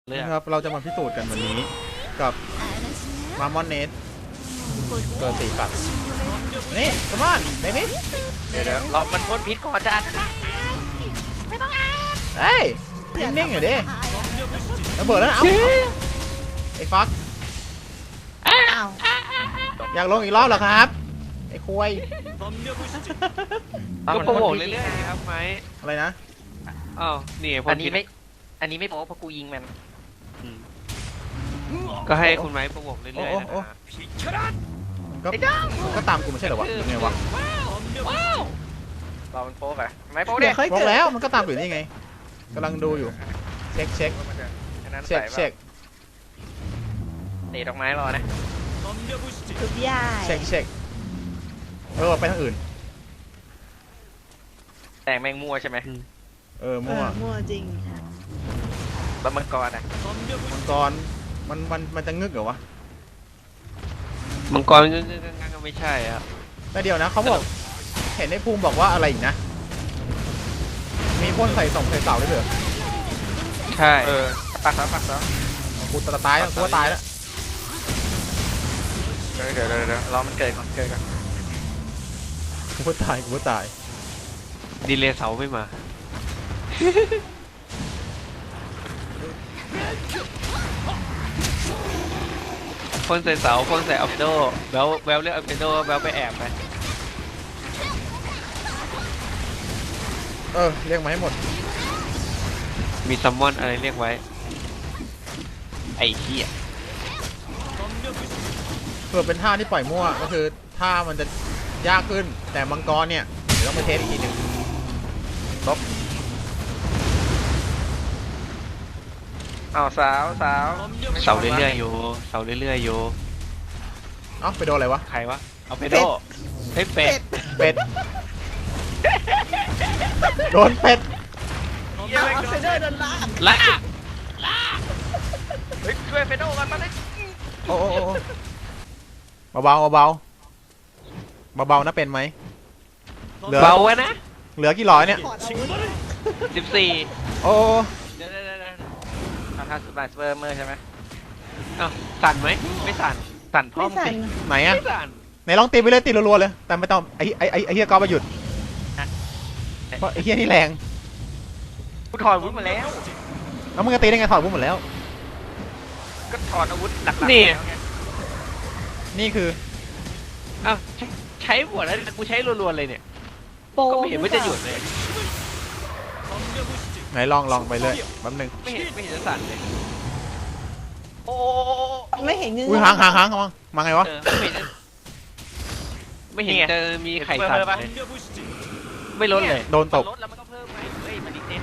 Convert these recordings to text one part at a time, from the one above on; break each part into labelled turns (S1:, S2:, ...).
S1: นะครับเราจะมาพิสูจน์กันวันนี้กับมามอนเนสเกิด4 สัตว์นี่สมานเดมิส
S2: เดี๋ยวเรามันพ่นพิษก่อนจ้า
S1: เฮ้ยนิ่งๆอยู่ดิระเบิดแล้วนะไอ้ฟักอยากลงอีกรอบเหรอครับไอ้คุย
S2: ก็โปรโมทเรื่อยๆครับไหม
S1: อะไรนะ
S2: อ้าวนี่อันนี้ไม่โป๊เพราะกูยิงมันก็ให้คุณไม้โปรโมทเรื่อยๆนะ
S1: ก็ตามกูไม่ใช่เหรอวะยังไงวะ
S2: เรามันโป๊กอะไม่โป๊ก
S1: เนี่ยโป๊กแล้วมันก็ตามอยู่นี่ไงกำลังดูอยู่เช็คเ
S2: ตะดอกไม้รอนะ
S3: ทุกอย่าง
S1: เช็คไปทางอื่น
S2: แต่แมงมัวใช่ไหม
S1: มั่ว
S3: จริง
S2: แล้วมังกรอะ
S1: มังกรมันจะงึกเหรอวะ
S2: มังกรงั้นก็ไม่ใช่ครับ
S1: แต่เดียวนะเขาบอกเห็นในภูมิบอกว่าอะไรอีกนะมีพ่นใส่เสาได้เหรอ
S2: ใช่ปักซะ
S1: กูตายแล้วกูตายแล้ว
S2: เดี๋ยวรอมันเกิดก่อน
S1: กูตาย
S2: ดีเลย์เสาไม่มาพ่นใส่เสาพ่นใส่อัลเฟโดแววเรียกอัลเฟโดแววไปแอบไป
S1: เรียกมาให้หมด
S2: มีซัมมอนอะไรเรียกไว้ไอ้เหี้ย
S1: เผื่อเป็นท่าที่ปล่อยมั่วก็คือท่ามันจะยากขึ้นแต่มังกรเนี่ยเดี๋ยวต้องไปเทสอีกทีนึงลบ
S2: สาวเรื่อยๆอยู่
S1: ไปโดนอะไรวะ
S2: ใครวะเอาไปโดให้เป็ด
S1: โดนเป็ด
S3: เฟเดอร์โดน
S2: ลากช่วยเฟโดกันมาเลย
S1: โอ้เบานะเป็นไหม
S2: เบานะ
S1: เหลือกี่ร้อยเนี่ย
S2: 14โอ้เดี๋ยวทำสปาร์เซอร์เมอร์ใช่ไหมสั่นไหมไม่สั่นพร้อมสิ
S1: ไหนอะไหนลองตีไปเลยตีรัวๆเลยแต่ไม่ต้องไอ้เฮียก็มาหยุดเพราะไอ้เฮียนี่แรง
S2: กูถอดอาวุธมาแล้ว
S1: แล้วมึงจะตีได้ไงถอดอาวุธหมดแล้ว
S2: ก็ถอดอาวุธหลักๆนี่
S1: คือ
S2: ใช้หมดแล้วกูใช้รัวๆเลยเนี่ยก็ไม่เห็นว่าจะหยุดเลย
S1: ไหนลองไปเลยแป๊บนึง
S2: ไม่เห็นจะสั่นเลยโอ้
S3: ไม่เห็นเงื้
S1: อหางมาไงวะ
S2: ไม่เห็นจะมีไข่สั่นเลยไม่ลดเลย
S1: โดนตบ
S2: ลดแล้วมันก็เพิ่มไหมเฮ้ยมันดีเต็ม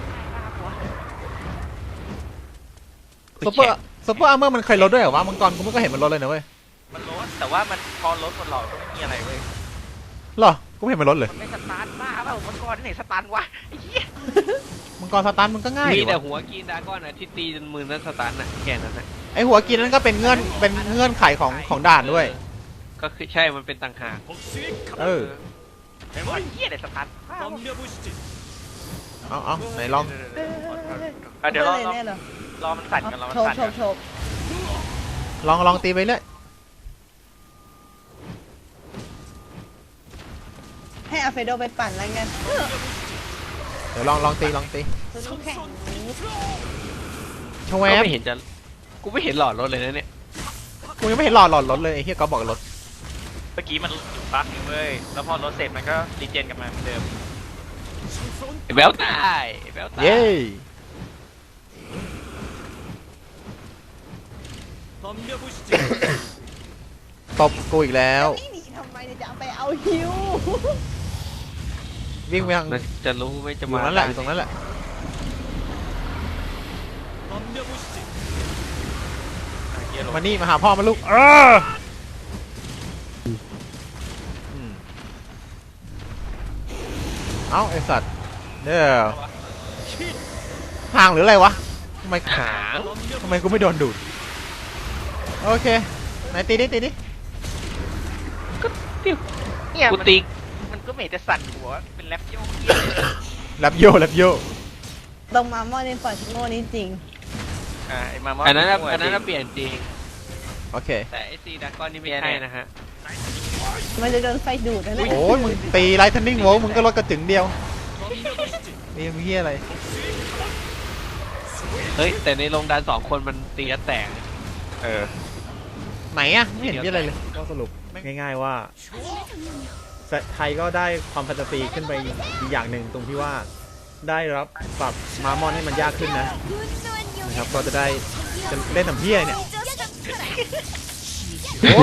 S1: ซุปเปอร์อาร์เมอร์มันเคยลดด้วยเหรอวะมังกรกูไม่ก็เห็นมันลดเลยนะเว้ย
S2: มันลดแต่ว่ามันพอลดมันหลอดก็ไม่มีอะไรเว้ย
S1: หรอกูไม่เห็นมันลดเลย
S2: มันไม่สตาร์ทบ้าเปล่ามังกรที่ไหนสตาร์ทวะไอ้เหี้ย
S1: มังกรสตาร์ทมันก็ง่าย
S2: มีแต่หัวกินดาก้อนที่ตีจนมือนั้นสตาร์ทน่ะแค่นั้นน่ะ
S1: ไอหัวกินนั้นก็เป็นเงื่อนไขของด่านด้วย
S2: ก็คือใช่มันเป็นต่างหาก
S1: ไอ้
S2: เหี้ยไหนสตาร์ท
S1: เอาไหนลอง
S2: เดี๋ยวรอมันสั่นกันรอมันสั่น
S1: ลองตีไปเลย
S3: ให้อาเฟโดไปปั่นแล้วกัน
S1: เดี๋ยวลองตีชว
S2: ไม่เห็นจะกูไม่เห็นหลอดรถเลยนะเนี่ย
S1: กูยังไม่เห็นหลอดรถเลยไอ้เหี้ยก็บอกรถ
S2: เมื่อกี้มันบั๊กอยู่เว้ยแล้วพอรถเสร็จมันก็รีเจนกลับมาเหมือนเดิมแววตาย
S1: เย้ตบกูอีกแล้ว
S3: นี่หนีทำไมจะไปเอาฮิว
S1: วิ่งไปทาง
S2: จะรู้ไม่จะมา
S1: อยู่ตรงนั้นแหละมานี่มาหาพ่อมาลูกเอาไอสัตว์เดี๋ยวห่างหรืออะไรวะทำไมกูไม่โดนดูดโอเคไหนตีดิ
S2: ก็เนี่ยกูตีมันก็ไม่จะสั่นหัวเป็นแรปโย
S1: ตรง
S3: มามอในฝันโง่นี้จริง
S2: ไอ้มามอนอันนั้นเปลี่ยนจริง
S1: โอเค
S2: แต่ไอ้ซีดักก้อนนี่ไม่ใช่นะฮะ
S3: มันจะโดนไฟดูดนะเนี่ย
S1: โอ้ยมึงตีไลท์เทนนิ่งโวลมึงก็ลดกระจึงเดียวนี่มึงเฮียอะไร
S2: เฮ้ยแต่ในโรงดัน2 คนมันตีแล้วแตก
S1: ไหนอะไม่เห็นเฮียอะไรเลยก็สรุปง่ายๆว่าไทยก็ได้ความแฟนตาซีขึ้นไปอีกอย่างหนึ่งตรงที่ว่าได้รับปรับมามอนให้มันยากขึ้นนะครับก็จะได้จะเล่นทำเฮียเนี่ยโอ้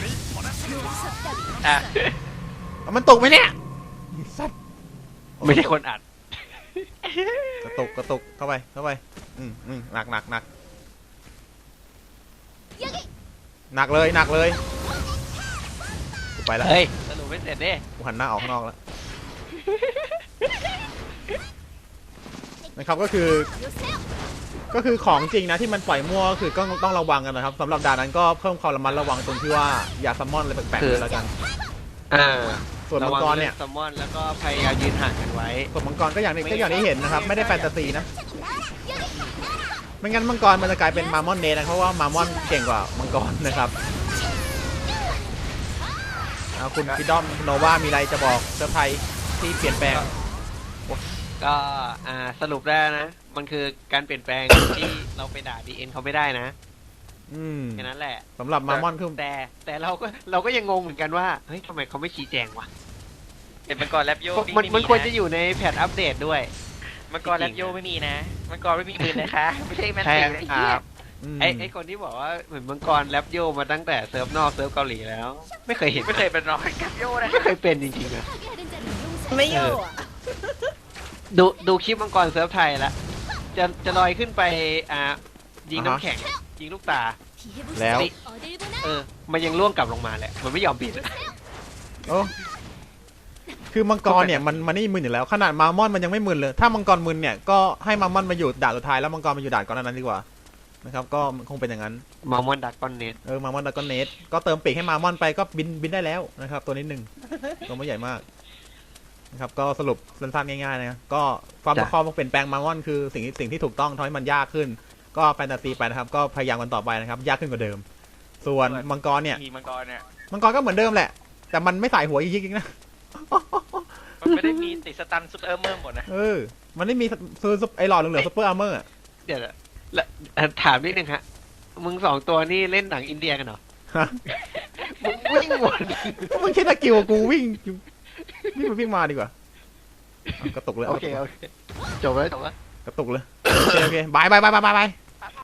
S2: อ่ะ
S1: เอามันตกไหมเนี่ยสัตว์
S2: ไม่ใช่คนอัด
S1: กระตุกเข้าไปหนักหนักเลยกูไปแล้ว
S2: เฮ้ยสรุปไม่เสร็จดิ
S1: กูหันหน้าออกข้างนอกแล้วนะครับก็คือของจริงนะที่มันปล่อยมั่วก็คือก็ต้องระวังกันนะครับสำหรับด่านนั้นก็เพิ่มความระมัดระวังตรงที่ว่าอย่าซัมมอนอะไรแปลกๆเลยแล้วกันส่วนมังกรเนี่ย
S2: ซัมมอนแล้วก็พยายามยืนห่างกันไว้
S1: ส่วนมังกรก็อย่างที่เห็นนะครับไม่ได้แฟนตาซีนะไม่งั้นมังกรมันจะกลายเป็นมามอนเนสนะเพราะว่ามามอนเก่งกว่ามังกรนะครับคุณฟิดอมโนวามีอะไรจะบอกเซอร์ไพรส์ที่เปลี่ยนแปลง
S2: ก็สรุปได้นะมันคือการเปลี่ยนแปลง ที่เราไปด่าดีเอ็นเขาไม่ได้นะแค่นั้นแหละ
S1: สำหรับมามอนคือ
S2: แต่เราก็ยังงงเหมือนกันว่าเฮ้ยทำไมเขาไม่ชี้แจงวะ
S4: เป็นมังกรแรปโย
S2: มันควรจะอยู่ในแพทอัปเดตด้วย
S4: มังกรแรปโยไม่มีนะมังกรไม่มีปืนนะคะ ไม่ใช่แมน
S2: ใช่
S4: ตีนะ
S2: ครับไอคนที่บอกว่าเหมือนมังกรแรปโยมาตั้งแต่เซิร์ฟนอกเซิร์ฟเกาหลีแล้ว ไม่เคยเห็น
S4: ไม่เคยเป็นรอยแรปโยนะ
S2: ไม่เคยเป็นจริงๆนะ
S3: ไม่โย่อะ
S2: ดูคลิปมังกรเซิร์ฟไทยแล้วจะลอยขึ้นไปยิงน้ำแข็งยิงลูกตา
S1: แล้ว
S2: มันยังล่วงกลับลงมาแหละมันไม่ยอมบิน
S1: โอ้คือมังกรเนี่ยมันไม่มึนอยู่แล้วขนาดมามอนมันยังไม่มึนเลยถ้ามังกรมึนเนี่ยก็ให้มามอนมาอยู่ด่านสุดท้ายแล้วมังกรมาอยู่ด่านก่อนนั้นดีกว่านะครับก็คงเป็นอย่างนั้น
S2: มามอนดักก้อนเน็ต
S1: มามอนดากอนเนสก็เติมปีกให้มามอนไปก็บินได้แล้วนะครับตัวนิดนึงตัวไม่ใหญ่มากนะครับก็สรุปสั้นๆง่ายๆนะก็ความประคองเปลี่ยนแปลงมามอนคือสิ่งที่ถูกต้องทำให้มันยากขึ้นก็แฟนตาซีไปนะครับก็พยายามกันต่อไปนะครับยากขึ้นกว่าเดิมส่วนมังกรเนี่ย
S4: มีมังกรเนี่ย
S1: มังกรก็เหมือนเดิมแหละแต่มันไม่ใส่หัวยิกๆนะ
S4: มันไม่ได้มีติดสตันซุปเปอร์เมอร์หมดนะ
S1: มันไม่มีซื้อไอหลอดเหลืองๆซุปเปอร์อาร์เมอร์
S2: เดี๋ยวถามนิดนึงฮะมึง2 ตัวนี่เล่นหนังอินเดียกันเหรอ
S1: ฮะ
S2: มึงวิ่งวน
S1: มึงคิดตะกิวกูวิ่งวิ่งมาดีกว่าเอากระตุกเลย
S2: โอเคจบแล้ว
S1: กระตุกเลยโอเคบาย